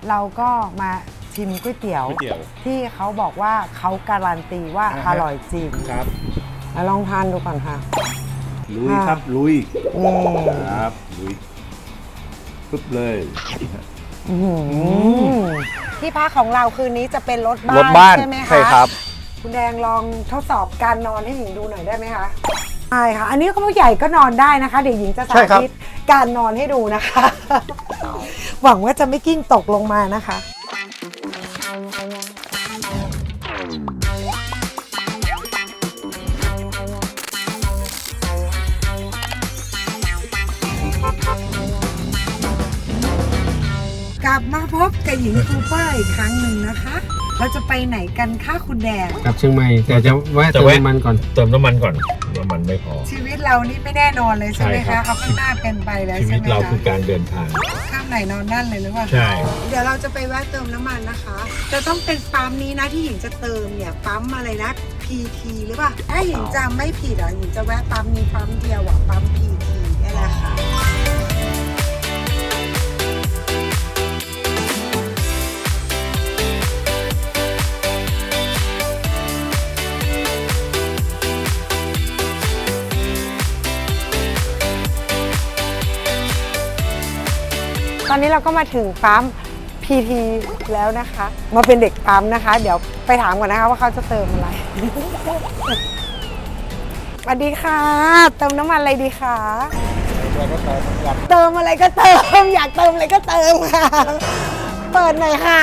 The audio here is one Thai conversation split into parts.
เราก็มาชิมก๋วยเตี๋ยวที่เขาบอกว่าเขาการันตีว่าอร่อยจริงครับลองทานดูก่อนค่ะลุยครับลุยครับลุยปึ๊บเลยที่พักของเราคืนนี้จะเป็นรถบ้านใช่ไหมคะใช่ครับคุณแดงลองทดสอบการนอนให้หญิงดูหน่อยได้ไหมคะใช่ค่ะอันนี้ก็ผู้ใหญ่ก็นอนได้นะคะเดี๋ยวหญิงจะสาธิตการนอนให้ดูนะคะ หวังว่าจะไม่กิ้งตกลงมานะคะกลับมาพบกับหญิงคูเปอร์อีกครั้งหนึ่งนะคะเราจะไปไหนกันคะคุณแดงกลับเชียงใหม่แต่จะแวะเติมน้ำมันก่อนเติมน้ำมันก่อนน้ำมันไม่พอชีวิตเรานี่ไม่แน่นอนเลยใช่ไหมคะเอาข้างหน้าเป็นไปแล้วชีวิตเราคือการเดินทางข้ามไหนนอนนั่นเลยหรือเปล่าใช่เดี๋ยวเราจะไปแวะเติมน้ำมันนะคะจะต้องเป็นปั๊มนี้นะที่หญิงจะเติมเนี่ยปั๊มอะไรนะ PT หรือเปล่าถ้าหญิงจำไม่ผิดหญิงจะแวะปั๊มนี้ปั๊มเดียวปั๊ม PT นี่แหละค่ะตอนนี้เราก็มาถึงปั๊ม PT แล้วนะคะมาเป็นเด็กปั๊มนะคะเดี๋ยวไปถามก่อนนะคะว่าเขาจะเติมอะไร สวัสดีค่ะเติมน้ำมันอะไรดีคะเติมอะไรก็เติมอยากเติมอะไรก็เติมค่ะเปิดหน่อยค่ะ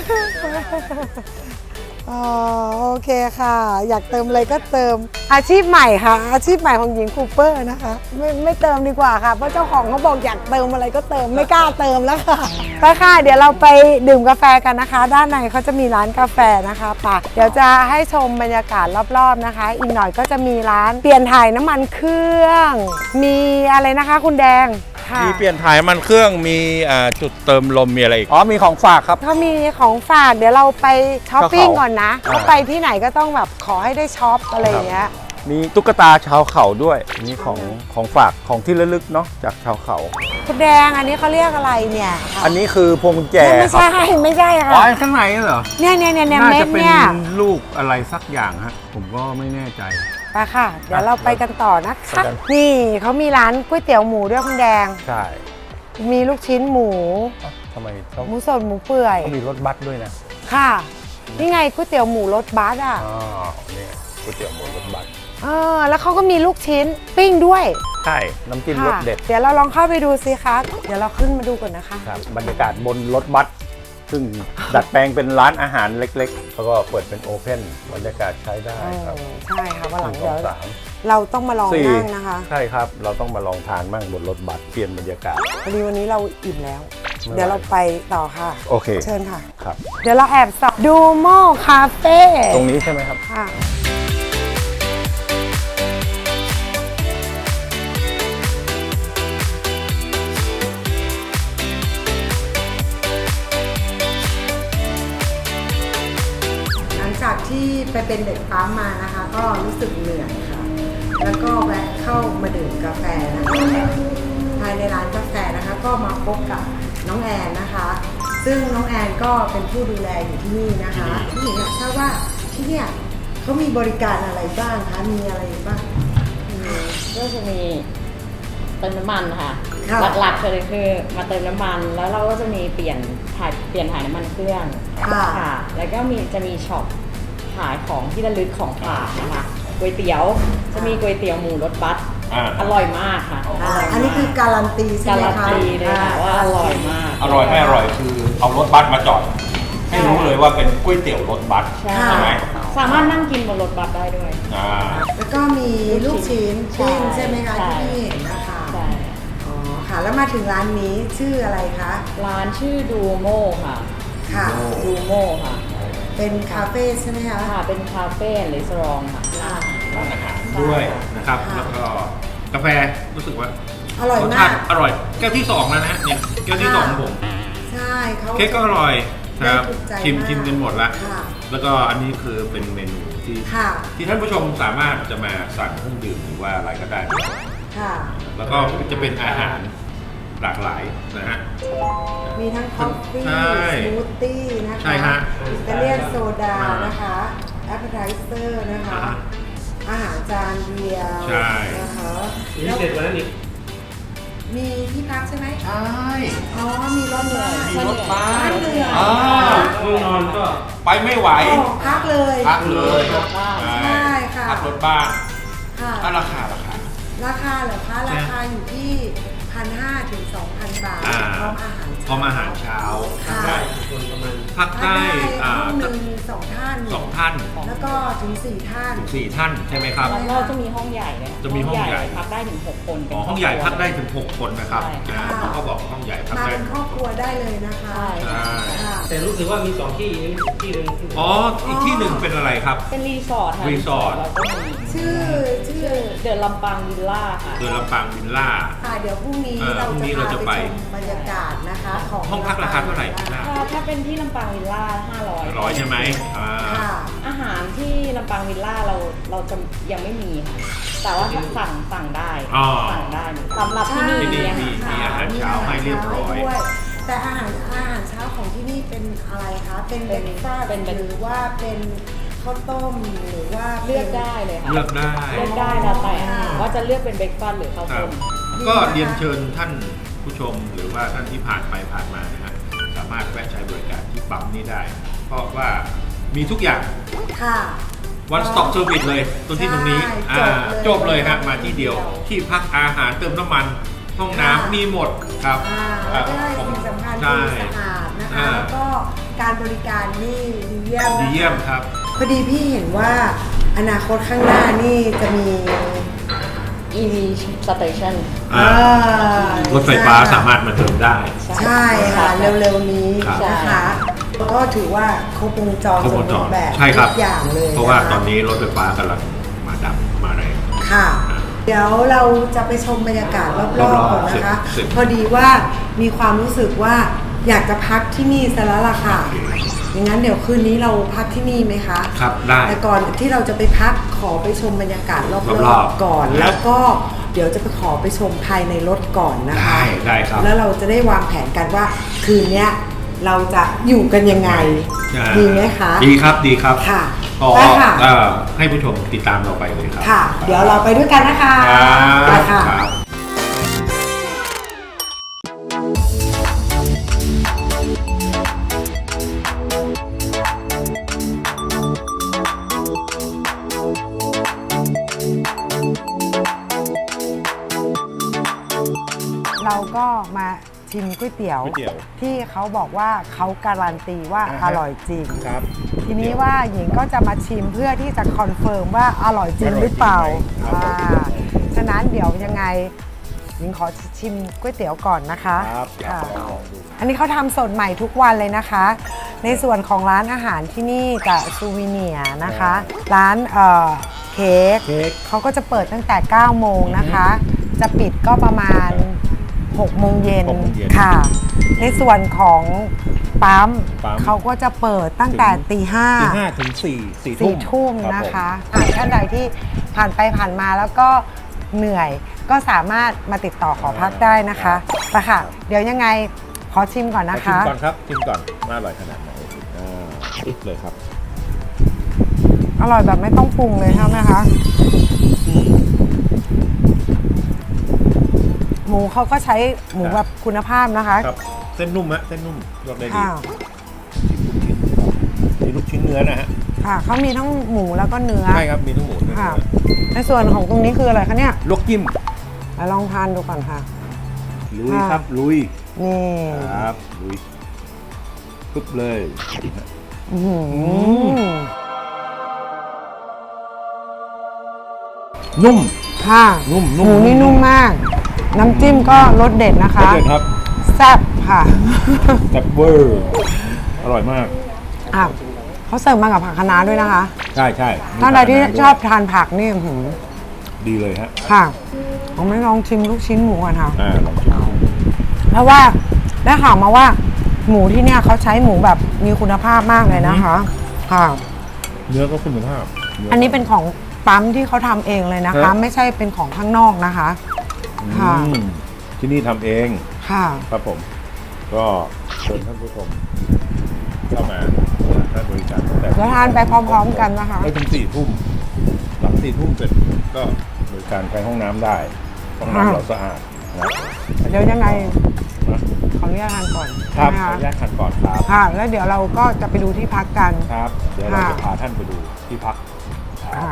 อ๋อโอเคค่ะอยากเติมอะไรก็เติมอาชีพใหม่ค่ะอาชีพใหม่ของหญิงคูเปอร์นะคะไม่เติมดีกว่าค่ะเพราะเจ้าของเขาบอกอยากเติมอะไรก็เติมไม่กล้าเติมแล้วค่ะไปค่ะเดี๋ยวเราไปดื่มกาแฟกันนะคะด้านในเขาจะมีร้านกาแฟนะคะป่ะเดี๋ยวจะให้ชมบรรยากาศรอบๆนะคะอีกหน่อยก็จะมีร้านเปลี่ยนถ่ายน้ำมันเครื่องมีอะไรนะคะคุณแดงมีเปลี่ยนถ่ายน้ำมันเครื่องมีจุดเติมลมมีอะไรอีกมีของฝากครับเขามีของฝากเดี๋ยวเราไปช้อปปิ้งก่อนนะเขาไปที่ไหนก็ต้องแบบขอให้ได้ช็อปอะไรอย่างเงี้ยมีตุ๊กตาชาวเขาด้วยนี่ของฝากของที่ระลึกเนาะจากชาวเขาคุณแดงอันนี้เขาเรียกอะไรเนี่ยอันนี้คือพวงกุญแจไม่ใช่ค่ะอ๋อข้างในเหรอเนี่ยน่าจะเป็นลูกอะไรสักอย่างฮะผมก็ไม่แน่ใจไปค่ะเดี๋ยวเราไปกันต่อนะคะนี่เขามีร้านก๋วยเตี๋ยวหมูด้วยคุณแดงใช่มีลูกชิ้นหมูทำไมหมูสดหมูเปื่อยมีรถบัสด้วยนะค่ะนี่ไงก๋วยเตี๋ยวหมูรถบัสอ่ะนี่ก๋วยเตี๋ยวหมูรถบัสแล้วเขาก็มีลูกชิ้นปิ้งด้วยใช่น้ำจิ้มรสเด็ดเดี๋ยวเราลองเข้าไปดูสิคะเดี๋ยวเราขึ้นมาดูก่อนนะคะครับบรรยากาศบนรถบัสซึ่งดัดแปลงเป็นร้านอาหารเล็กๆแล้วก็เปิดเป็นโอเพ่นบรรยากาศใช้ได้ครับใช่ค่ะวันหลังเดี๋ยวเราต้องมาลองนั่งนะคะใช่ครับเราต้องมาลองทานมั่งบนรถบัสเปลี่ยนบรรยากาศพอดีวันนี้เราอิ่มแล้วเดี๋ยวเราไปต่อค่ะโอเคเชิญค่ะครับเดี๋ยวเราแอบส่องดูโม่คาเฟ่ตรงนี้ใช่ไหมครับค่ะจากที่ไปเป็นเด็กปั๊มมานะคะก็รู้สึกเหนื่อยค่ะแล้วก็แวะเข้ามาดื่มกาแฟนะคะภายในร้านกาแฟนะคะก็มาพบกับน้องแอนนะคะซึ่งน้องแอนก็เป็นผู้ดูแลอยู่ที่นี่นะคะพี่หญิงอยากทราบว่าที่เนี่ยเขามีบริการอะไรบ้างคะมีอะไรบ้างก็จะมีเติมน้ำมันค่ะหลักๆเลยคือมาเติมน้ำมันแล้วเราก็จะมีเปลี่ยนถ่ายน้ำมันเครื่องค่ะแล้วก็จะมีช็อปขายของที่ระลึกของฝากนะคะก๋วยเตี๋ยวจะมีก๋วยเตี๋ยวหมูรสบัสอร่อยมากค่ะอันนี้คือการันตีใช่ไหมคะการันตีเลยค่ะว่าอร่อยมากอร่อยไม่อร่อยคือเอารถบัสมาจอดให้รู้เลยว่าเป็นก๋วยเตี๋ยวรถบัสใช่ไหมสามารถนั่งกินบนรถบัสได้ด้วยแล้วก็มีลูกชิ้นปิ้งใช่ไหมคะที่เห็นนะคะอ๋อค่ะแล้วมาถึงร้านนี้ชื่ออะไรคะร้านชื่อดูโม่ค่ะดูโม่ค่ะเป็นคาเฟ่ใช่ไหมคะค่ะเป็นคาเฟ่หรือรีสอร์ทค่ะร้านอาหารด้วยนะครับแล้วก็กาแฟรู้สึกว่าอร่อยมากอร่อยแก้วที่2แล้วนะเนี่ยแก้วที่2ของผมใช่เขาเค้กก็อร่อยครับชิมกันหมดแล้วแล้วก็อันนี้คือเป็นเมนูที่ท่านผู้ชมสามารถจะมาสั่งเครื่องดื่มหรือว่าอะไรก็ได้ค่ะแล้วก็จะเป็นอาหารหลากหลายนะฮะมีทั้งคอฟฟี่ใช่สมูทตี้นะคะใช่ฮะอิตาเลียนโซดานะคะแอปเปอร์ไทเซอร์นะคะ อาหารจานเดียวใช่นะคะนี่เด็ดกว่านั้นอีกมีที่พักใช่ไหมใช่อ๋อ มีรถบ้านมีรถบัสบ้านเหนื่อยอ่าห้องนอนก็ไปไม่ไหวอ๋อพักเลยพักเลยใช่ค่ะพักรถบ้านค่ะถ้าราคาราคาเหรอคะ ราคาอยู่ที่ 1,500 ถึง 2,000 บาทอ่าพร้อมอาหารพร้อมอาหารเช้าค่ะได้คนประมาณพักถ้าได้ได้ห้องหนึ่ง2 ท่านสองท่านแล้วก็ถึง 4 ท่านถึง4 ท่านใช่ไหมครับแล้วเราจะมีห้องใหญ่เลยจะมีห้องใหญ่พักได้ถึง 6 คนเป็นอ๋อห้องใหญ่พักได้ถึง 6 คนนะครับใช่เขาก็บอกห้องใหญ่พักมาได้เป็นครอบครัวได้เลยนะคะใช่ใช่ค่ะแต่รู้สึกว่ามี2 ที่นี่ที่หนึ่งที่อ๋ออีกที่หนึ่งเป็นอะไรครับเป็นรีสอร์ทค่ะรีสอร์ทเราก็มีชื่อเดอะลำปางวิลล่าค่ะเดือนลำปางวิลล่าค่ะเดี๋ยวพรุ่งนี้พรุ่งนี้เราเราจะจะพาไปไปชมบรรยากาศนะคะของห้องพักราคาเท่าไหร่นะถ้าเป็นที่ลำปางวิลล่า500 100ใช่ไหมอ่าค่ะอาหารที่ลำปางวิลล่าเราจะยังไม่มีค่ะ แต่ว่าสั่งได้อ๋อสั่งได้สำหรับที่นี่ที่นี่เนี่ยมีอาหารเช้าให้เรียบร้อยด้วยแต่อาหารเช้าของที่นี่เป็นอะไรคะ เป็นเบรคฟาสต์หรือว่าเป็นข้าวต้มหรือว่าเลือกได้เลยค่ะเลือกได้เลือกได้แล้วแต่ว่าจะเลือกเป็นเบรกฟาสต์หรือข้าวครัต้บมก็เรียนเชิญท่านผู้ชมหรือว่าท่านที่ผ่านไปผ่านมานะฮะสามารถแวะใช้บริการที่ปั๊มนี้ได้ เพราะว่ามีทุกอย่างค่ะ one stop service เลยตรงที่ตรงนี้ใช่จบเลยฮะมาที่เดียว ที่พักอาหารเติมน้ำมัน ห้องน้ำมีหมดครับแล้วก็สิ่งสำคัญใช่คือสะอาดนะคะอ่าแล้วก็การบริการนี่ดีเยี่ยมดีนะคะเยี่ยมครับพอดีพี่เห็นว่าอนาคตข้างหน้านี่จะมี EV station อ่า รถไฟฟ้าสามารถมาเติมได้ใช่ค่ะ เร็วๆนี้ครับนะคะก็ถือว่าครบวงจรครบสวมงจบูรรณ์แบบใช่ครับทุกอย่างเลยเพราะว่าคตอนนี้รถไฟฟ้ากำลังมาดับมาแรงค่ะ เดี๋ยวเราจะไปชมบรรยากาศรอบๆก่อนนะคะสิบพอดีว่ามีความรู้สึกว่าอยากจะพักที่นี่ซะแล้วล่ะค่ะ อย่างนั้นเดี๋ยวคืนนี้เราพักที่นี่ไหมคะครับได้แต่ก่อนที่เราจะไปพักขอไปชมบรรยากาศรรออบบ ๆก่อนๆแล้วก็เดี๋ยวจะไปขอไปชมภายในรถก่อนนะคะได้ครับแล้วเราจะได้วางแผนกันว่าคืนเนี้ยเราจะอยู่กันยังไงใช่ดีไหมคะดีครับดีครับค่ะก็ได้ค่ะให้ผู้ชมติดตามเราไปเลยครับค่ะ เดี๋ยวเราไปด้วยกันนะคะครับไปค่ะครับเราก็มาชิมก๋วยเตี๋ยวก๋วยเตี๋ยวที่เขาบอกว่าเขาการันตีว่าอ่าฮะอร่อยจริงครับทีนี้ว่าหญิงก็จะมาชิมเพื่อที่จะคอนเฟิร์มว่าอร่อยจริงหรือเปล่าครับฉะนั้นเดี๋ยวยังไงหญิงขอชิมก๋วยเตี๋ยวก่อนนะคะครับอยากค่ะลองดูอันนี้เขาทำสดใหม่ทุกวันเลยนะคะ ในส่วนของร้านอาหารที่นี่กับซูวิเนียร์นะคะ ร้านเค้กเค้กเขาก็จะเปิดตั้งแต่ 9 โมงนะคะ จะปิดก็ประมาณ 6 โมงเย็น 6โมงเย็นค่ะ ในส่วนของปั๊มปั๊มเขาก็จะเปิดตั้งแต่ตีห้าตี 5 ถึง 4 สี่ทุ่มรับนะคะท่านใดที่ผ่านไปผ่านมาแล้วก็เหนื่อยก็สามารถมาติดต่อขอพักได้นะคะไปค่ะ เดี๋ยวยังไงขอชิมก่อนผมนะชิมคะก่อนครับชิมก่อนว่าอร่อยขนาดไหนปึ๊บเลยครับอร่อยแบบไม่ต้องปรุงเลยใช่ไหมคะ หมูเขาก็ใช้หมูแบบคุณภาพนะคะครับ เส้นนุ่มฮะเส้นนุ่มลวกได้ดีค่ะมีลูกชิ้นเนื้อนะฮะค่ะเขามีทั้งหมูแล้วก็เนื้อใช่ครับมีทั้งหมูทั้งค่ะเนื้อในส่วนของตรงนี้คืออะไรคะเนี่ยลวกจิ้มลองทานดูก่อนค่ะลุยครับลุยนี่ครับลุยปึ๊บเลยอื้อหือนุ่มค่ะนุ่มหมูนี่นุ่มมาก น้ำจิ้มก็รสเด็ดนะคะเด็ดครับแซ่บค่ะแซ่บเวอร์อร่อยมากอ่ะเขาเสิร์ฟมากับผักคะน้าด้วยนะคะใช่ใช่ท่านใดที่ชอบทานผักนี่อื้อหือดีเลยฮะค่ะ ผมไม่ลองชิมลูกชิ้นหมูก่อนค่ะลองชิมเพราะว่าได้ข่าวมาว่า หมูที่เนี่ยเขาใช้หมูแบบมีคุณภาพมากเลยนะคะ ค่ะเนื้อก็คุณภาพอันนี้เป็นของปั๊มที่เขาทำเองเลยนะคะครับไม่ใช่เป็นของข้างนอกนะคะ ค่ะที่นี่ทำเองค่ะครับผม ก็เชิญท่านผู้ชมเข้ามาให้บริการตั้งแต่เดี๋ยวทานไปพร้อมๆกันนะคะให้ถึง4 ทุ่มหลัง4 ทุ่มเสร็จก็บริการใช้ห้องน้ำได้ห้องน้ำเราสะอาดนะเดี๋ยวยังไงนะขออนุญาตทานก่อนครับใช่ขอไหมอนุญาคะตทานก่อนครับค่ะ แล้วเดี๋ยวเราก็จะไปดูที่พักกันครับ เดี๋ยวเราจะค่ะพาท่านไปดูที่พักครับค่ะ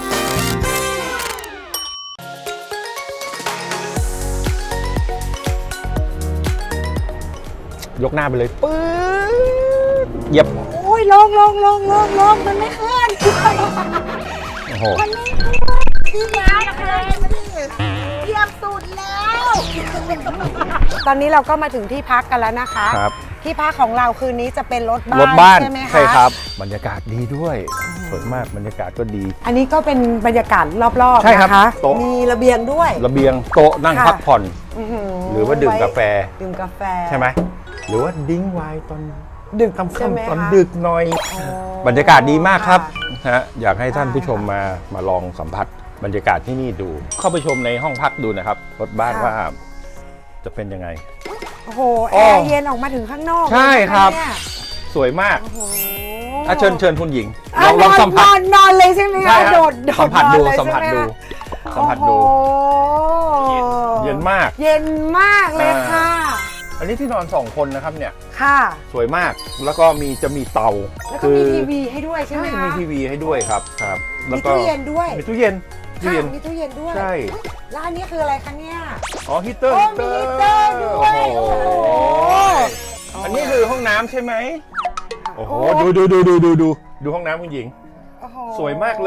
ยกหน้าไปเลยปื๊ดเหยียบโอ้ยลงมันไม่ขึ้นโอ้โหมันไม่ขึ้นพี่ยาเลยมาดิเทียบสุดแล้ว ตอนนี้เราก็มาถึงที่พักกันแล้วนะคะครับที่พักของเราคืนนี้จะเป็นรถบ้านรถบ้านใช่ไหมคะใช่ครับ บรรยากาศดีด้วยสวยมากบรรยากาศก็ดีอันนี้ก็เป็นบรรยากาศรอบๆใช่ครับนะคะโต๊ะมีระเบียงด้วยระเบียงโต๊ะนั่งค่ะพักผ่อนอื้อหืหรือว่าดื่มกาแฟดื่มกาแฟใช่ไหมหรือว่าดิ้งไวน์ตอนดึกค่ำใช่ไหมๆตอนคะดึกหน่อยอ๋อบรรยากาศดีมากครับะฮะอยากให้ท่านผู้ชมได้มาลองสัมผัสบรรยากาศที่นี่ดู เข้าไปชมในห้องพักดูนะครับรถบ้านค่ะว่าจะเป็นยังไงโอ้โหโอ้แอร์เย็นออกมาถึงข้างนอกใช่เลยนะะครับเนี่ยสวยมากโอ้โหเชิญคุณหญิงอ่ะลองสัมผัสนอนเลยใช่ไหมใช่คะครับโดดสัมผัสดูนอนเลยสัมผัสใช่ไหดูคะสัมผัสดูโอ้โหเย็นมากเย็นมากเลยค่ะอันนี้ที่นอน2 คนนะครับเนี่ยค่ะสวยมากแล้วก็จะมีเตาแล้วก็มีทีวีให้ด้วยใช่ไหมใช่คะมีทีวีให้ด้วยครับครับมีตู้เย็นด้วยมีตู้เย็นค่ะมีตู้เย็นด้วยใช่แล้วอันนี้คืออะไรคะเนี่ยอ๋อฮีตเตอร์โอ้มีฮีตเตอร์ด้วยโอ้โหโอ้โหอันนี้คือห้องน้ำใช่ไหมโอ้โหดูห้องน้ำคุณหญิงโอ้โหสวยมากเลย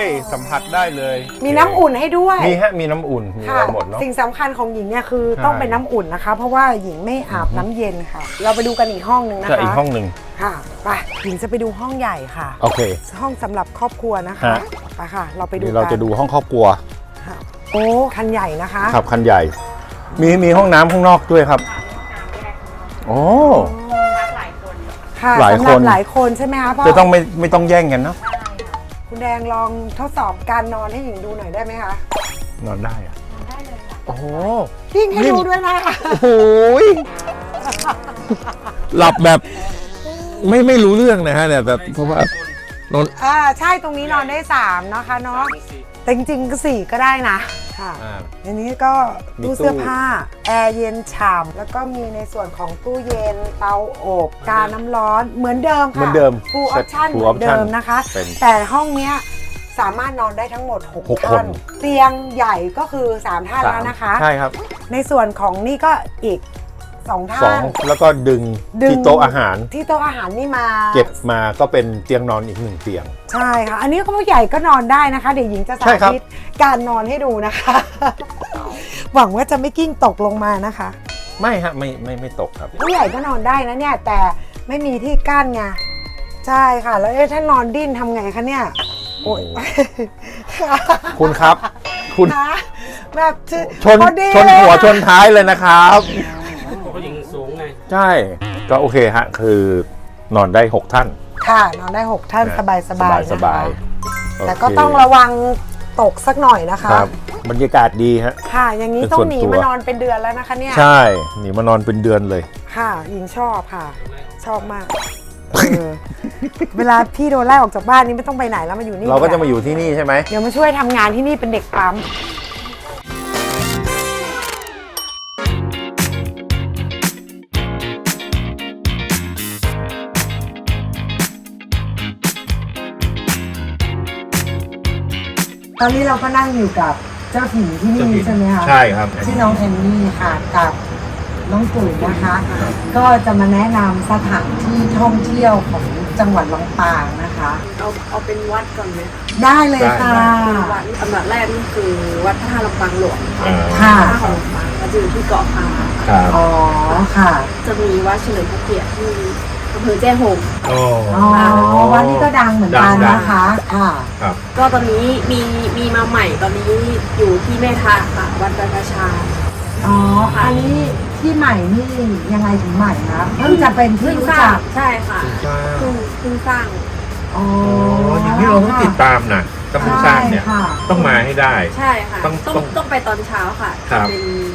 สัมผัสได้เลยมีน้ำอุ่นให้ด้วยมีน้ำอุ่นมีอะค่ะไรหมดเนาะสิ่งสำคัญของหญิงเนี่ยคือใช่ต้องเป็นน้ำอุ่นนะคะ เพราะว่าหญิงไม่อาบน้ำเย็นค่ะ เราไปดูกันอีกห้องหนึ่งนะจะคะอีกห้องหนึ่งค่ะไปหญิงจะไปดูห้องใหญ่ค่ะโอเคห้องสำหรับครอบครัวนะคะฮะไปค่ะ เราไปดูนี่กันเราจะดูห้องครอบครัวค่ะโอ้คันใหญ่นะคะครับคันใหญ่ มีห้องน้ำข้างนอกด้วยครับโอ้หลายคนค่ะหลายสำหรับคนหลายคนใช่ไหมคะพ่อจะต้องไม่ต้องแย่งกันเนาะคุณแดงลองทดสอบการนอนให้หญิงดูหน่อยได้ไหมคะนอนได้อะโอ้โหยิ่งให้ดูด้วยนะคะโอ้โหยหลับแบบไม่รู้เรื่องนะฮะเนี่ยแต่เพราะว่านอนใช่ตรงนี้นอนได้3นะคะเนาะแต่จริงๆก็4ก็ได้นะค่ะ อันนี้ก็มีตู้ตู้เสื้อผ้าแอร์เย็นฉ่ำแล้วก็มีในส่วนของตู้เย็นเตาอบกาน้ำร้อนเหมือนเดิมค่ะเหมือนเดิมฟูลออปชั่น full เหมือนเดิม option นะคะเป็นแต่ห้องเนี้ยสามารถนอนได้ทั้งหมดหก 6 คท่าน นเตียงใหญ่ก็คือ3ท่านแล้วนะคะใช่ครับในส่วนของนี่ก็อีก2ท่าน 2แล้วก็ดึงที่โต๊ะอาหารที่โต๊ะอาหารนี่มาเก็บมาก็เป็นเตียงนอนอีก1 เตียงใช่ค่ะ อันนี้ก็ผู้ใหญ่ก็นอนได้นะคะ เดี๋ยวหญิงจะสาใช่ครับธิตการนอนให้ดูนะคะ หวังว่าจะไม่กิ้งตกลงมานะคะไม่ฮะไม่ตกครับผู้ใหญ่ก็นอนได้นะเนี่ย แต่ไม่มีที่กั้นไงใช่ค่ะ แล้วถ้านอนดิ้นทำไงคะเนี่ยโอ้ยคุณครับ คุณนะแบบชนพอดีชนเลยหัวอะชนท้ายเลยนะครับเขายิงสูงไงใช่ก็โอเคฮะคือนอนได้ 6 ท่านค่ะ นอนได้ 6 ท่านสบายๆสบายนะคะ แต่โเคก็ต้องระวังตกสักหน่อยนะคะครับบรรยากาศดีฮะค่ะ อย่างนี้เป็นต้องส่วนหนีตัวมานอนเป็นเดือนแล้วนะคะเนี่ยใช่หนีมานอนเป็นเดือนเลยค่ะหญิงชอบค่ะ ชอบมากเวลาพี่โดนไล่ออกจากบ้านนี่ไม่ต้องไปไหนแล้วมาอยู่นี่เราก็จะมาอยู่ที่นี่ใช่ไหมเดี๋ยวมาช่วยทำงานที่นี่เป็นเด็กปั๊มตอนนี้เราก็นั่งอยู่กับเจ้าถิ่นที่นี่ใช่ไหมคะใช่ครับชื่อน้องแอนนี่ค่ะกับน้องตุ๋ยนะคะ ก็จะมาแนะนำสถานที่ท่องเที่ยวของจังหวัดลำปางนะคะเอาเป็นวัดก่อนไหมได้เลยค่ะวัดอันดับแรกนี่คือวัดพระธาตุลำปางหลวงค่ะพระธาตุของลำปางมันจะอยู่ที่เกาะพาครับอ๋อค่ะจะมีวัดเฉลิมพระเกียรติที่อำเภอแจ้ห่มโอ้อ๋อวัดนี้ก็ดังเหมือนกันดังนะคะ ค่ะครับก็ตอนนี้มีมาใหม่ตอนนี้อยู่ที่แม่ทะค่ะ วัดบรรพชาอ๋อ อันนี้ที่ใหม่นี่ยังไงถึงใหม่คะเพิ่งจะเป็นที่เพิ่งรู้สร้าจังกใช่ค่ะเพิ่งสร้างอ๋ออย่างนี้เราต้องติดตามนะต้องสร้างเนี่ยใช่ค่ะต้องมาให้ได้ใช่ค่ะต้องต้องไปตอนเช้าค่ะครับเป็น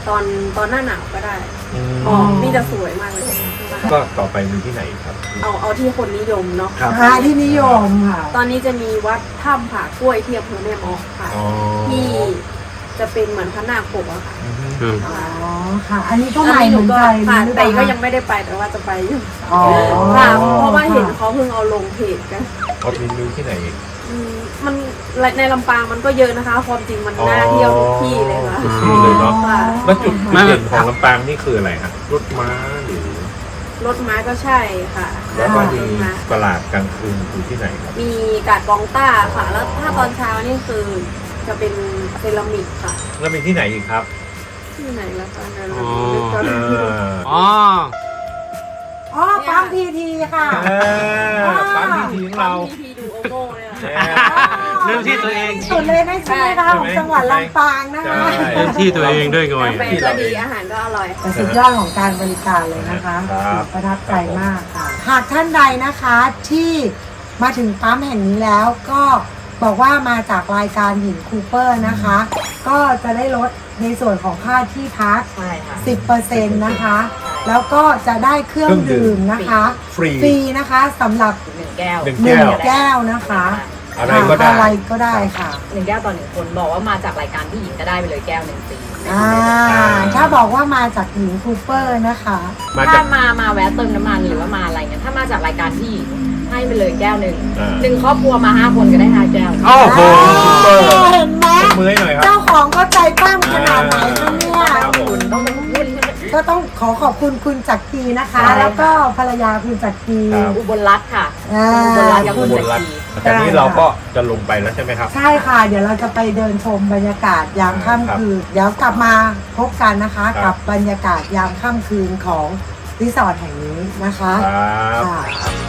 ตอนหน้าหนาวก็ได้อืมอ๋อนี่จะสวยมากเลยก็ต่อไปมีที่ไหนครับเอาที่คนนิยมเนาะครับที่นิยมค่ะตอนนี้จะมีวัดถ้ำผากล้วยที่อำเภอแม่ออกค่ะอ๋อที่จะเป็นเหมือนพระนาคปกอะค่ะอืมอ๋อค่ะ อันนี้ก็ใหม่อันเหนี้มือนก็กันผ่านหรือไปเปล่าก็คะยังไม่ได้ไปแต่ว่าจะไปอยู่อ๋อค่ะเพราะว่าเห็นเขาเพิ่งเอาลงเพจกันเขามีที่ไหนอีกมันในลำปางมันก็เยอะนะคะ ความจริงมันน่าเที่ยวทุกที่เลยค่ะทุกที่เลยเนาะค่ะแล้วจุดเด่นของลำปางนี่คืออะไรครับรถม้าหรือรถม้าก็ใช่ค่ะแล้วก็รมีถม้าตลาดกลางคืนอยู่ที่ไหนครับมีกาดกองต้าค่ะ แล้วถ้าตอนเช้านี่คือจะเป็นเซรามิกค่ะแล้วมีที่ไหนอีกครับที่ไหนแล้วกันนะอ๋อนึกก่อนอ๋ออ๋อปั๊มพีทีค่ะปั๊มพีทีของเราพีทีดูโอโม่เนี่ยเรื่องที่ตัวเองสุดเลยนะใช่ไหมคะของจังหวัดลำปางนะคะใช่เรื่องที่ตัวเองด้วยก่อนกาแฟก็ดีอาหารก็อร่อยแต่สุดยอดของการบริการเลยนะคะครับประทับใจมากค่ะ หากท่านใดนะคะที่มาถึงปั๊มแห่งนี้แล้วก็บอกว่ามาจากรายการหญิงคูเปอร์นะคะ ก็จะได้ลดในส่วนของค่าที่พักใช่ค่ะ 10%นะคะ แล้วก็จะได้เครื่องดื่มนะคะฟรีฟรีนะคะสำหรับ 1 แก้วหนึ่งหนึ่งแก้วนะคะอะไรก็ได้อะไรก็ได้ค่ะ 1 แก้วต่อ 1 คนบอกว่ามาจากรายการพี่หญิงก็ได้ไปเลยแก้ว 1 ฟรีถ้าบอกว่ามาจากหญิงคูเปอร์นะคะมาจาถ้าก มาแวะเติมน้ำมันหรือว่ามาอะไรเงี้ยถ้ามาจากรายการพี่หญิงให้ไปเลยแก้วหนึ่งอ่าหนึ่งครอบครัวมา 5 คนก็ได้5 แก้วโอ้โหซุปเปอร์เห็นไหมยกมือให้หน่อยครับเจ้าของก็ใจปั้มขนาดไหนคะเนี่ยครับผมต้องเป็นรุ่นก็ต้องขอบคุณคุณจักรีนะคะใช่แล้วก็ภรรยาคุณจักรีครับอุบลรัตน์ค่ะอ่าอุบลรัตน์กับอุคุณบจัลกรัตรีน์ตอนนี้เราก็จะลงไปแล้วใช่ไหมครับใช่ค่ะ เดี๋ยวเราจะไปเดินชมบรรยากาศยามค่ำคืน เดี๋ยวกลับมาพบกันนะคะครักับ บรรยากาศยามค่ำคืนของรีสอร์ทแห่งนี้นะคะครับค่ะ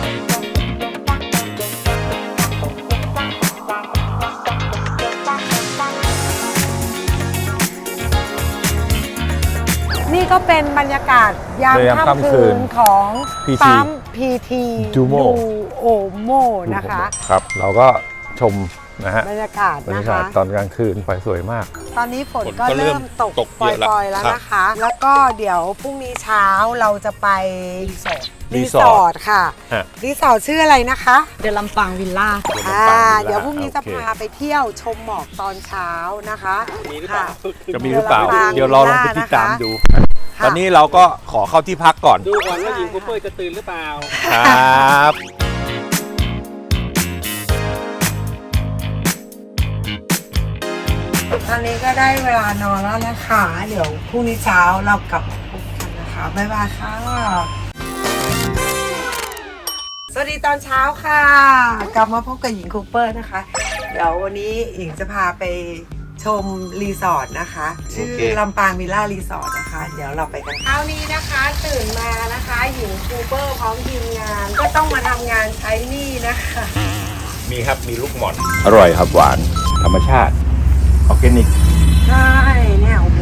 นี่ก็เป็นบรรยากาศยามค่ำคืนของ PT ปั๊มพีที Duomo โอโมนะคะครับ เราก็ชมนะฮะบรรยากาศบรรนะยากาคะศตอนกลางคืนไฟสวยมากตอนนี้ฝนฝนก็ก็เริ่เริ่มมตกตกปเยอะแล้วล่อยๆแล้วครับนะคะ แล้วก็เดี๋ยวพรุ่งนี้เช้าเราจะไปรีสรีอสอร์ร์ททค่ะฮะรีสอร์ทชื่ออะไรนะคะเดินลำปางวิลล่าเดี๋ยวพรุ่งนี้จะโอเคพาไปเที่ยวชมหมอกตอนเช้านะคะค่ะจะมีหรือเปล่าเดินลำปางเดี๋ยวเราลองไปติดตามนะคะดูค่ะตอนนี้เราก็ขอเข้าที่พักก่อนดูก่อนว่าหญิงคูเปอร์จะตื่นหรือเปล่าครับตอนนี้ก็ได้เวลานอนแล้วนะคะ เดี๋ยวพรุ่งนี้เช้าเรากลับมาพบกันนะคะบ๊ายบายค่ะ สวัสดีตอนเช้าค่ะ กลับมาพบกับหญิงคูเปอร์นะคะ เดี๋ยววันนี้หญิงจะพาไปชมรีสอร์ทนะคะ ชื่อลำปางวิลล่ารีสอร์ทนะคะ เดี๋ยวเราไปกันเช้านี้นะคะ ตื่นมานะคะหญิงคูเปอร์พร้อมทีมงาน ก็ต้องมาทำงานใช้หนี้นะคะมีครับ มีลูกหม่อนอร่อยครับหวาน ธรรมชาติ ออร์แกนิกใช่เนี่ยโอ้โห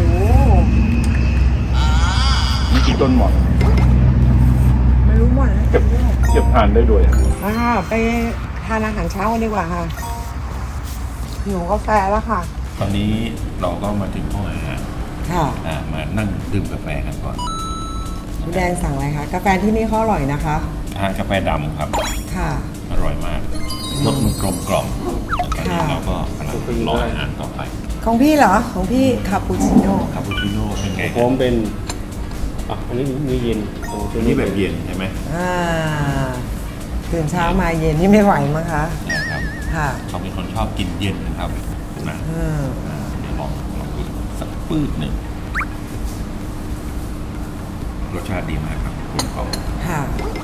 นี่คือต้นหมอนไม่รู้หมดแล้วเก็บทานได้ด้วยไปทานอาหารเช้ากันดีกว่าค่ะหิวกาแฟแล้วค่ะตอนนี้เราก็มาถึงห้องอาหารค่ะมานั่งดื่มกาแฟกันก่อนพี่แดงสั่งอะไรคะกาแฟที่นี่เขาอร่อยนะคะทานกาแฟดำครับค่ะอร่อยมากรสมันกลมกล่อมตอนนี้ค่ะเราก็กำลังรออาหารต่อไปของพี่เหรอของพี่คาปูชิโน่คาปูชิโน่เป็นไงผมเป็นอันนี้มื้อเย็นโอ้ตัวนี้แบบเย็นใช่ไหมตื่นเช้ามาเย็นนี่ไม่ไหวมั้งคะนะครับค่ะเขาเป็นคนชอบกินเย็นนะครับนะอืมเดี๋ยวลองดูสักปื้ดหนึ่งรสชาติดีมากครับคุณกล่อมค่ะ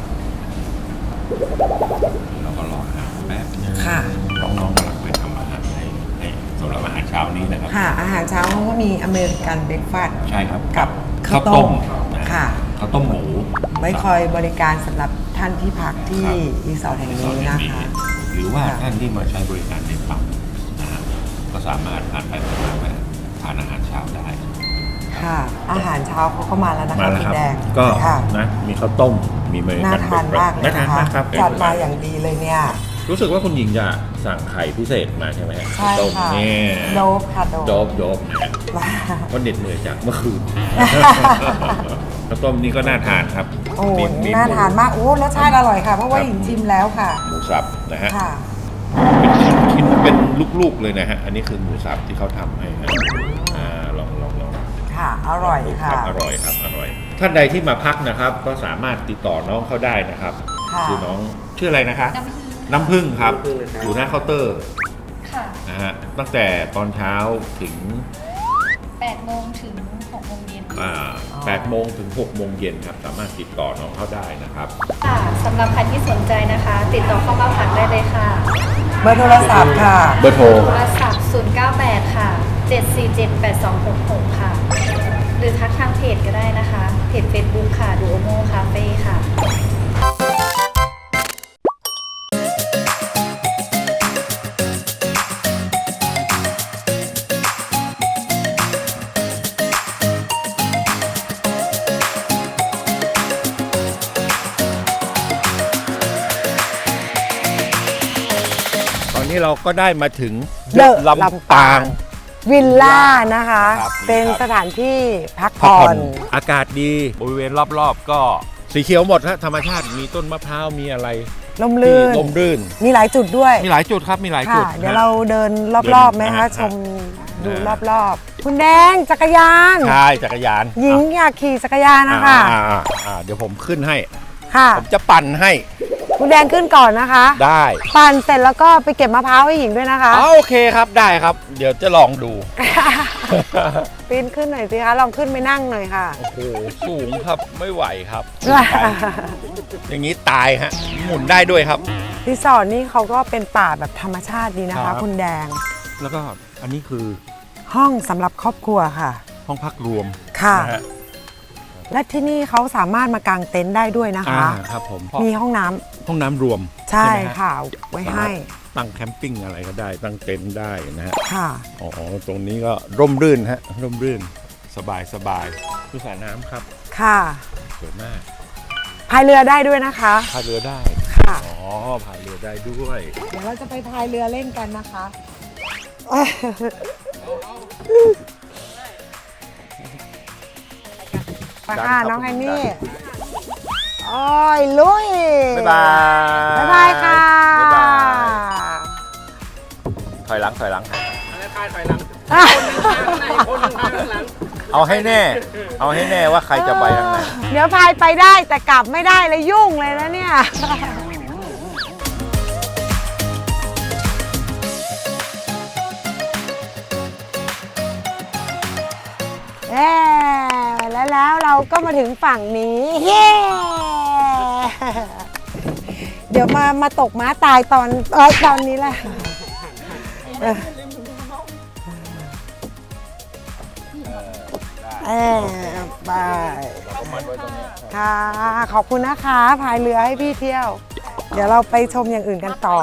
เราก็รออาหารแป๊บนึงค่ะน้องๆกำลังไปทำอาหารให้สำหรับอาหารเช้านี้นะครับค่ะ อาหารเช้าเขาก็มีอเมริกันเบรกฟาสต์ใช่ครับกับข้าวต้มนะค่ะข้าวต้มหมูไว้คอยบริการสำหรับท่านที่พักที่รีสอร์ทแห่งนี้นะคะหรือว่าค่ะท่านที่มาใช้บริการในปั๊มนะฮะก็สามารถผ่านไปผ่านมาทานอาหารเช้าได้ค่ะ อาหารเช้าเขาก็มาแล้วนะคะมาแล้วพี่ครับแดงก็ค่ะนะมีข้าวต้มมีเมนูน่าทานมากเลยน่าทานนะคะมากครับจัดมาอย่างดีเลยเนี่ยรู้สึกว่าคุณหญิงจะสั่งไข่พิเศษมาใช่ไหมฮะใช่ต้มค่ะนี่โดบค่ะโดบโดบนะฮะเพราะเหน็ดเหนื่อยจากเมื่อคืน ข้าวต้มนี่ก็น่าทานครับโอ้มีน่าทานมากโอ้รสชาติอร่อยค่ะเพราะว่าหญิงชิมแล้วค่ะหมูสับนะฮะค่ะชิ้นเป็นลูกๆเลยนะฮะอันนี้คือหมูสับที่เขาทำให้นะลองค่ะอร่อยดูค่ะรับอร่อยครับอร่อยท่านใดที่มาพักนะครับ ก็สามารถติดต่อน้องเขาได้นะครับค่ะคือน้องชื่ออะไรนะคะน้ำผึ้งครับอยู่หน้าเคาน์เตอร์ค่ะนะฮะตั้งแต่ตอนเช้าถึง 8 โมงถึง 6 โมงเย็น 8 โมงถึง 6 โมงเย็นครับสามารถติดต่อน้องเขาได้นะครับค่ะสำหรับใครที่สนใจนะคะ ติดต่อเข้ามาพักได้เลยค่ะเบอร์โทรศัพท์ค่ะเบอร์โทรโทรศัพท์ 098 ค่ะ 7478266 ค่ะ หรือทักทางเพจก็ได้นะคะ เพจ Facebook ค่ะ Duomo Cafe ค่ะตอนนี้เราก็ได้มาถึง The ลำปางวิลล่านะคะครับเป็นสถานที่พักพักผ่อผ่อน นอากาศดีบริเวณรอบๆ ก็สีเขียวหมดฮะธรรมชาติมีต้นมะพร้าวมีอะไรลมลื่นที่ลมรื่นมีหลายจุดด้วยมีหลายจุดครับมีหลายจุดค่ะ เดี๋ยวฮะเราเดินรอบๆไหมคะเดินชมดูอ่ารอบๆ คุณแดงจักรยานใช่จักรยานหญิงอยากขี่จักรยานนะคะเดี๋ยวผมขึ้นให้ค่ะผมจะปั่นให้คุณแดงขึ้นก่อนนะคะได้ปั่นเสร็จแล้วก็ไปเก็บมะพร้าวให้หญิงด้วยนะคะโอเคครับได้ครับ เดี๋ยวจะลองดูปีนขึ้นหน่อยสิคะ ลองขึ้นไปนั่งหน่อยค่ะโอ้โหสูงครับไม่ไหวครับอย่างนี้ตายฮะหมุนได้ด้วยครับรีสอร์ทนี่เขาก็เป็นป่าแบบธรรมชาติดีนะครัคะบคุณแดงแล้วก็อันนี้คือห้องสำหรับครอบครัวค่ะห้องพักรวมค่ะนะฮะและที่นี่เขาสามารถมากางเต็นท์ได้ด้วยนะคะครับผมมีห้องน้ำห้องน้ำรวมใช่ไหมฮค่ะ ไว้ให้ตั้งแคมปิ้งอะไรก็ได้ ตั้งเต็นท์ได้นะฮะค่ะอ๋อตรงนี้ก็ร่มรื่นฮะร่มรื่นสบายดูสระน้ำครับค่ะสวยมากพายเรือได้ด้วยนะคะพายเรือได้ค่ะอ๋อพายเรือได้ด้วยเดี๋ยวเราจะไปพายเรือเล่นกันนะคะไปค่ะน้องไฮนี่โอ้ยลุยบ๊ายบายบ๊ายบายค่ะบ๊ายบายถอยหลังเอาให้แน่ว่าใครจะไปทางไหนเดี๋ยวพายไปได้แต่กลับไม่ได้เลยยุ่งเลยนะเนี่ย แล้วเราก็มาถึงฝั่งนี้เย้เดี๋ยวมาตกม้าตายตอนนี้แหละไปค่ะ ขอบคุณนะคะพายเรือให้พี่เที่ยว เดี๋ยวเราไปชมอย่างอื่นกันต่อ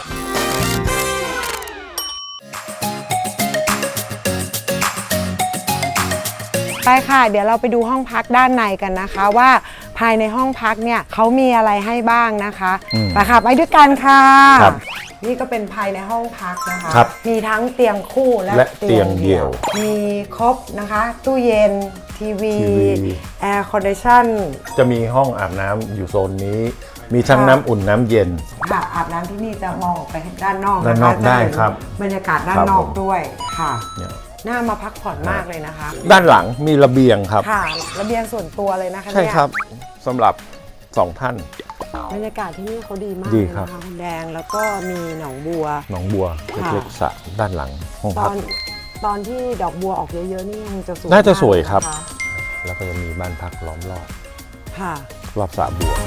ไปค่ะเดี๋ยวเราไปดูห้องพักด้านในกันนะคะว่าภายในห้องพักเนี่ยเขามีอะไรให้บ้างนะคะไปค่ะไปด้วยกันค่ะครับนี่ก็เป็นภายในห้องพักนะคะครับมีทั้งเตียงคู่และเตียงเดี่ยวมีครบนะคะตู้เย็นทีวีทีวีแอร์คอนดิชั่นจะมีห้องอาบน้ำอยู่โซนนี้ มีทั้งค่ะน้ำอุ่นน้ำเย็นค่ะอาบน้ำที่นี่จะมองออกไปด้านนอกด้านนอกจะได้เห็ครับบรรยากาศด้านครับนอกผมด้วยค่ะเนี่ยน่ามาพักผ่อนมากเลยนะคะด้านหลังมีระเบียงครับค่ะระเบียงส่วนตัวเลยนะคะใช่เนี่ยครับสำหรับ2ท่านบรรยากาศที่นี่เขาดีมากดีเลยครับนะคะคุณแดงแล้วก็มีหนองบัวหนองบัวค่ะเล็กๆสระด้านหลังห้องตพัอก นตอนที่ดอกบัวออกเยอะๆนี่คงจะสวยน่าจะสวยมกครับนะะแล้วก็จะมีบ้านพักล้อมรอบค่ะรอบสระบัว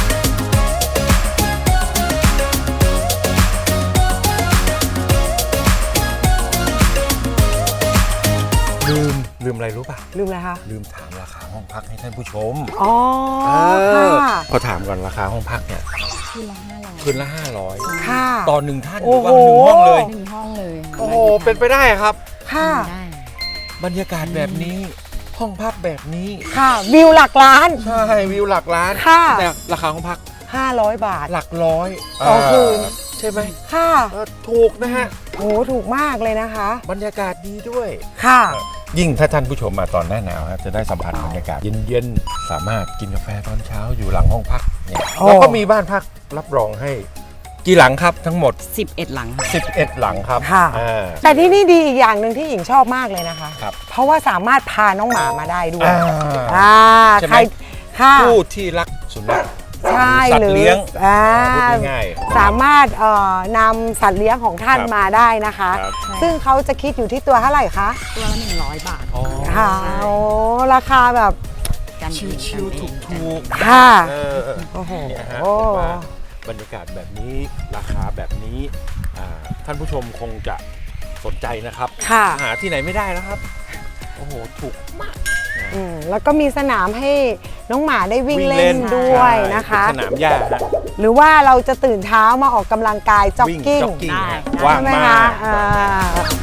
ลืมอะไรรู้ป่ะลืมอะไรคะลืมถามราคาห้องพักให้ท่านผู้ชมอ๋อค่ะขอถามก่อนราคาห้องพักเนี่ยคืนละค่ะ 500ต่อหนึ่งท่านหโอ้รือโหว่า1 ห้องเลยหนึ่งห้องเลยโอ้โหเป็นไปได้ครับค่ะได้บรรยากาศแบบนี้ห้องพักแบบนี้ค่ะวิวหลักล้านใช่วิวหลักล้านค่ะแต่ราคาห้องพัก 500 บาทหลักร้อยต่อคืนใช่ไหมค่ะถูกนะฮะโหถูกมากเลยนะคะบรรยากาศดีด้วยค่ะยิ่งถ้าท่านผู้ชมมาตอนหน้าหนาวครับจะได้สัมผัสบรรยากาศเย็นๆ สามารถกินกาแฟตอนเช้าอยู่หลังห้องพักเนี่ยโอ้แล้วก็มีบ้านพักรับรองให้กี่หลังครับทั้งหมด 11 หลัง 11 หลังครับค่ะอ่าแต่ที่นี่ดีอีกอย่างหนึ่งที่หญิงชอบมากเลยนะคะครับเพราะว่าสามารถพาน้องหมามาได้ด้วยอ่า ใช่ไหมใครค่ะผู้ที่รักสุนัขใช่สัตหรืว์อเลี้ยงอ่าพูดง่ายๆสามารถนำสัตว์เลี้ยงของท่านครับมาได้นะคะครับซึ่งเขาจะคิดอยู่ที่ตัวเท่าไหร่คะตัวละ100 บาทอ๋อค่ะโอ้ราคาแบบกันเองชิวๆถูกค่ะๆเออโอ้โหเนี่ยฮะผมว่าบรรยากาศแบบนี้ราคาแบบนี้ท่านผู้ชมคงจะสนใจนะครับค่ะหาที่ไหนไม่ได้แล้วครับ โอ้โห ถูกมากแล้วก็มีสนามให้น้องหมาได้วิ่งเล่นด้วยนะคะเป็นสนามหญ้าฮะหรือว่าเราจะตื่นเช้ามาออกกำลังกายจ็อกวิ่งกิ้งจ็อกกิ้งฮะได้ว่างใช่ไหมมาคะก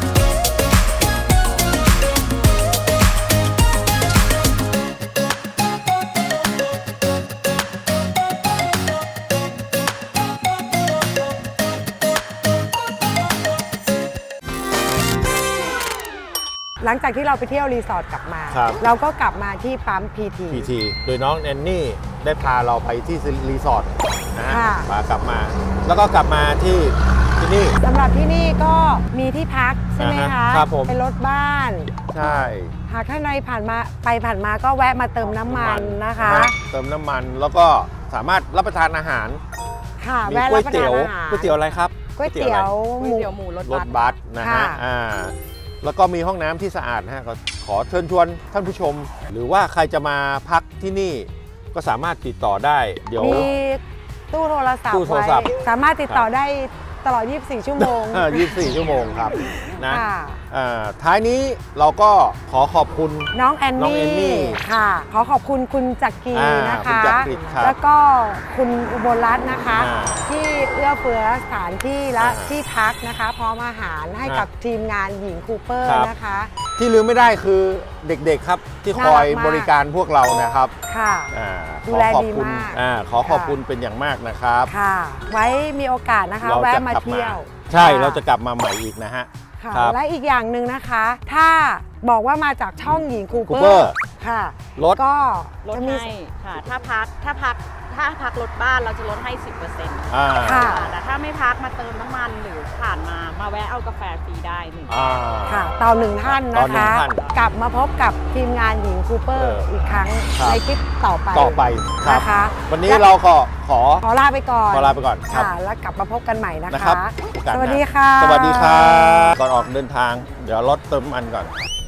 หลังจากที่เราไปเที่ยวรีสอร์ทกลับมาครับเราก็กลับมาที่ปั๊มพีที PT โดยน้องแอนนี่ได้พาเราไปที่รีสอร์ทนะฮะค่ะพากลับมา แล้วก็กลับมาที่นี่สำหรับที่นี่ก็มีที่พักใช่ไหมอ่าคะฮะครับผมเป็นรถบ้านใช่หากท่านใดผ่านมาก็แวะมาเติมน้ำมันนะคะเติมน้ำมันแล้วก็สามารถรับประทานอาหารค่ะมีแวะก๋รัวบยประเตี๋ทานยวอาหารก๋วยเตี๋ยวอะไรครับก๋วยเตี๋ยวหมูเตี๋ยวหมูรสรบัถสบัสนะฮะค่ะแล้วก็มีห้องน้ำที่สะอาดนะฮะก็ขอเชิญชวนท่านผู้ชม หรือว่าใครจะมาพักที่นี่ก็สามารถติดต่อได้ เดี๋ยวมีตู้โทรศัพท์ตู้โทรศัพท์ไว้สามารถติดต่อได้ตลอด 24 ชั่วโมง 24 ชั่วโมงครับนะค่ะท้ายนี้เราก็ขอขอบคุณน้องแอนน้องแอนนี่นี่ค่ะ ขอขอบคุณคุณจักรีอ่านะคุณคะจักรีครับแล้วก็คุณอุบลรัตน์นะคะอ่าที่เอื้อเฟื้อสถานที่และอ่าที่พักนะคะ พร้อมอาหารให้กับทีมงานหญิงคูเปอร์ครับนะคะที่ลืมไม่ได้คือเด็กๆครับ ที่คอยน่ารักมากบริการพวกเรานะครับค่ะอ่าดูแลขอขอบดีคุณมากขอขอบคุณเป็นอย่างมากนะครับค่ะ ไว้มีโอกาสนะคะเราแวะจะมากลับมาเที่ยวใช่ค่เราจะกลับมาใหม่อีกนะฮะค่ะครับและอีกอย่างหนึ่งนะคะ ถ้าบอกว่ามาจากช่องหญิงคูเปอ Cooper ร์ค่ะรถก็ลดจะมีให้ค่ะ ถ้าพักรถบ้านเราจะลดให้ 10% อ่าค่ะแต่ถ้าไม่พักมาเติมน้ำมันหรือผ่านมาแวะเอากาแฟฟรีได้หนึ่งอ่าค่ะต่อหนึ่งท่านต่อนะหนึ่งคะท่านกลับมาพบกับทีมงานหญิงคูเปอร์อีกครั้งครับในคลิปต่อไปต่อไปครับนะคะวันนี้เราก็ขอขอลาไปก่อนขอลาไปก่อนครับค่ะ แล้วกลับมาพบกันใหม่นะนะครัคะบโอกาสหสน้าวัสดีค่ะสวัสดีครับก่อนออกเดินทาง เดี๋ยวรถเติมน้ำมันก่อน